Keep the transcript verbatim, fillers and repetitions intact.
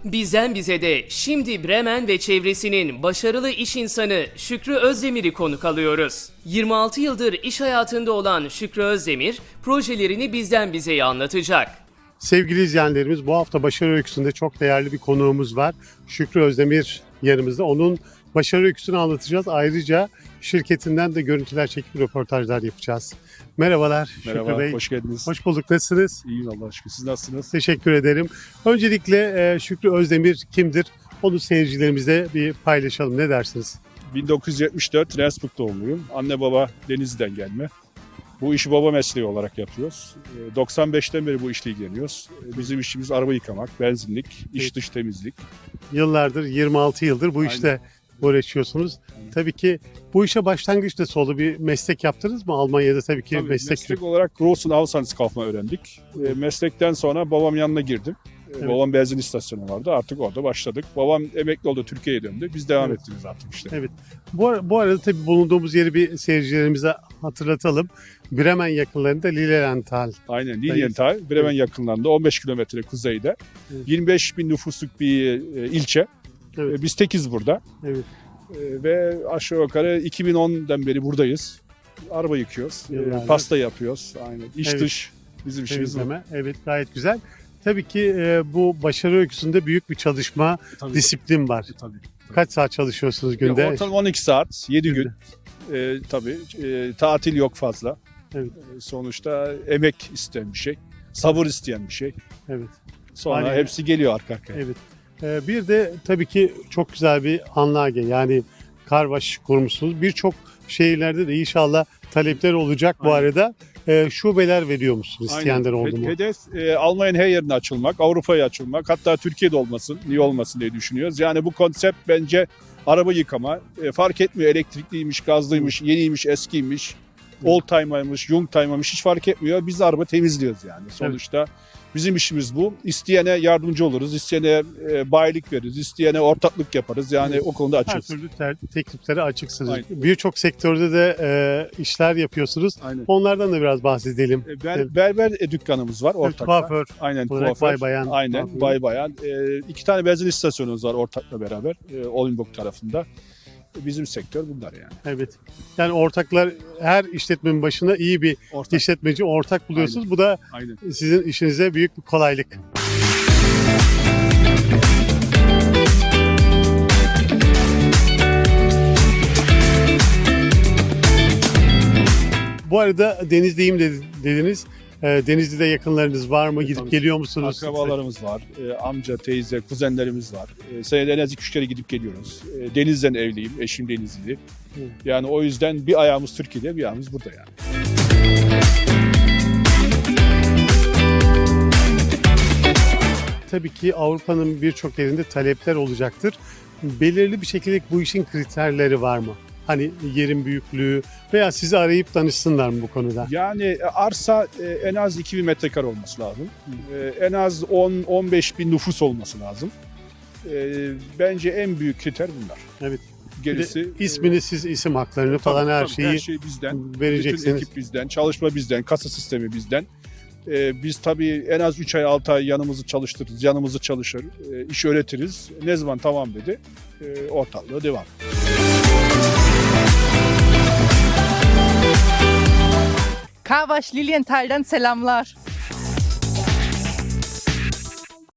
Bizden bize de şimdi Bremen ve çevresinin başarılı iş insanı Şükrü Özdemir'i konuk alıyoruz. yirmi altı yıldır iş hayatında olan Şükrü Özdemir, projelerini bizden bizeye anlatacak. Sevgili izleyenlerimiz, bu hafta başarı öyküsünde çok değerli bir konuğumuz var. Şükrü Özdemir yanımızda. Onun başarı öyküsünü anlatacağız. Ayrıca şirketinden de görüntüler çekip röportajlar yapacağız. Merhabalar Merhaba, Şükrü Bey. hoş geldiniz. Hoş bulduk. Nasılsınız? İyiyim Allah'a şükür. Siz nasılsınız? Teşekkür ederim. Öncelikle e, Şükrü Özdemir kimdir? Onu seyircilerimize bir paylaşalım. Ne dersiniz? bin dokuz yüz yetmiş dört Rendsburg doğumluyum. Anne baba Denizli'den gelme. Bu işi baba mesleği olarak yapıyoruz. doksan beşten beri bu işle ilgileniyoruz. Bizim işimiz araba yıkamak, benzinlik, iç dış temizlik. Yıllardır, yirmi altı yıldır bu Aynen. işte uğraşıyorsunuz. Tabii ki bu işe başlangıç nasıl oldu? Bir meslek yaptınız mı? Almanya'da tabii ki Tabii, meslek. meslek olarak Großen Auslandskaufmann öğrendik. E, meslekten sonra babam yanına girdim. E, Evet. Babam benzin istasyonu vardı. Artık orada başladık. Babam emekli oldu, Türkiye'ye döndü. Biz devam Evet. ettiniz artık işte. Evet. Bu, ar- bu arada tabii bulunduğumuz yeri bir seyircilerimize hatırlatalım. Bremen yakınlarında Lilienthal. Aynen. Lilienthal, Bremen Evet. yakınlarında on beş kilometre kuzeyde. Evet. yirmi beş bin nüfusluk bir e, ilçe. Evet. E, Biz tekiz burada. Evet. E, Ve aşağı yukarı iki bin ondan beri buradayız. Araba yıkıyoruz, e, Yıllardır. pasta yapıyoruz. Aynen. İç Evet. dış bizim işimiz bu. Temizleme. Evet, gayet güzel. Tabii ki e, bu başarı öyküsünde büyük bir çalışma, Tabii. disiplin var. Tabii. Kaç saat çalışıyorsunuz günde? Ya, ortalama on iki saat, yedi gün. Günde. E, tabii e, tatil yok fazla. Evet. E, sonuçta emek isteyen bir şey, sabır isteyen bir şey. Evet. Sonra Aynen. hepsi geliyor arka arkaya. Evet. E, bir de tabii ki çok güzel bir Anlage, yani karvaş kurmuşsunuz. Birçok şehirlerde de inşallah talepler olacak bu Aynen. arada. E, şubeler veriyor musunuz? Aynen. İsteyenler oldu He- mu? Hedef e, Almanya'nın her yerine açılmak, Avrupa'ya açılmak, hatta Türkiye'de olmasın, niye olmasın diye düşünüyoruz. Yani bu konsept bence araba yıkama, e, fark etmiyor elektrikliymiş, gazlıymış, yeniymiş, eskiymiş, old timer'mış, young timer'mış hiç fark etmiyor. Biz araba temizliyoruz yani sonuçta. Bizim işimiz bu. İsteyene yardımcı oluruz, isteyene e, bayilik veririz, isteyene ortaklık yaparız. Yani Evet. o konuda Her açığız. türlü ter- tekliflere açıksınız. Aynen. Birçok sektörde de e, işler yapıyorsunuz. Aynen. Onlardan da biraz bahsedelim. E, ber, berber e, dükkanımız var ortakta. Kuaför Aynen olarak kuaför. bay bayan. Aynen kuaförü. bay bayan. E, iki tane benzin istasyonumuz var ortakla beraber. E, Oldenburg tarafında. E, bizim sektör bunlar yani. Evet. Yani ortaklar, her işletmenin başına iyi bir Ortak. işletmeci ortak buluyorsunuz. Bu da Aynen. sizin işinize büyük bir kolaylık. Bu arada Denizli'yim dedi- dediniz. E, Denizli'de yakınlarınız var mı? Gidip Tabii. geliyor musunuz? Akrabalarımız var. E, amca, teyze, kuzenlerimiz var. E, senede en az iki üç kere gidip geliyoruz. E, Denizli'den evliyim. Eşim Denizli. Hı. Yani o yüzden bir ayağımız Türkiye'de, bir ayağımız burada yani. Tabii ki Avrupa'nın birçok yerinde talepler olacaktır. Belirli bir şekilde bu işin kriterleri var mı? Hani yerin büyüklüğü veya sizi arayıp danışsınlar mı bu konuda? Yani e, arsa e, en az iki bin metrekare olması lazım. E, en az on on beş bin nüfus olması lazım. E, bence en büyük kriter bunlar. Evet. Gerisi Bir de ismini, siz isim haklarını e, falan tabii, her tabii, şeyi her şey bizden. Bütün vereceksiniz. ekip bizden, çalışma bizden, kasa sistemi bizden. E, biz tabii en az üç ay altı ay yanımızı çalıştırırız, yanımızı çalışır, e, iş öğretiriz. Ne zaman tamam dedi, e, ortaklığa devam. Karvaş Lilienthal'den selamlar.